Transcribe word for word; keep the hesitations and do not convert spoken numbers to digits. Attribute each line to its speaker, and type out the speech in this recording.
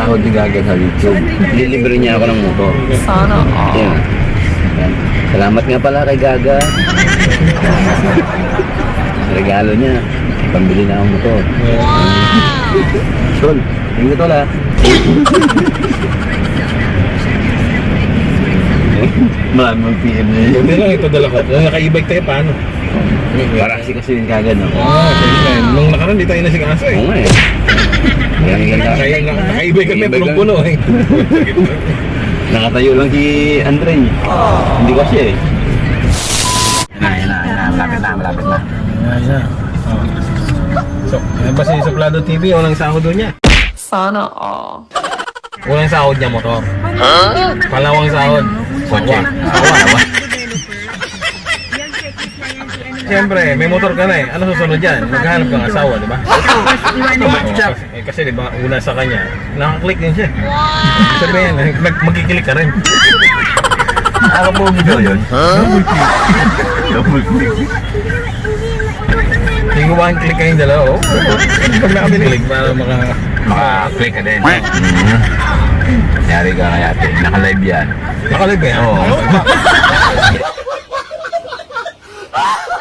Speaker 1: sahod ni Gaga sa YouTube. Lilibre niya ako ng motor.
Speaker 2: Sana all.
Speaker 1: Yan. Yan. Salamat nga pala kay Gaga. Regalo niya. Pambili na akong motor. Sol, tingin ko la. Marami mong P M niya.
Speaker 3: Hindi lang ito dala ko. Naka-e-bike tayo, paano?
Speaker 1: Para kasi kasi yung Gaga, no?
Speaker 3: Ah, sige na. Nung nakaraan, di tayo nasigaso eh.
Speaker 1: Oo nga eh. Yan, yan, yan.
Speaker 3: Kaya na- naka-e-bike kami,
Speaker 1: E-bike lang.
Speaker 3: punong-puno eh.
Speaker 1: Nakatayo lang si Andre. Hindi kasi eh. Yan na, yan na, yan na. Malapit na, malapit na.
Speaker 3: Ayan na. Oh. So, yan ba si Suplado T V? Walang sahod doon niya.
Speaker 2: Sana all.
Speaker 3: Walang sahod niya motor. Palawang sahod.
Speaker 1: Kotse.
Speaker 3: Awa, awa. Siyempre, may motor ka na eh. Ano susunod dyan? Maghanap ka ng asawa, di ba? Oo, kasi, eh, kasi di ba, una sa kanya, nakaklik din siya. Wow! Sabihin, mag magkikilik ka rin.
Speaker 1: Ako po video yun. Double click. Double click.
Speaker 3: Hindi ko one click kayong dalawa, oh. Pag nakabilik para maka...
Speaker 1: Maka-click ka din. Yari ka kaya ate. Naka-live yan.
Speaker 3: Nakalive ba yan?
Speaker 1: Oo.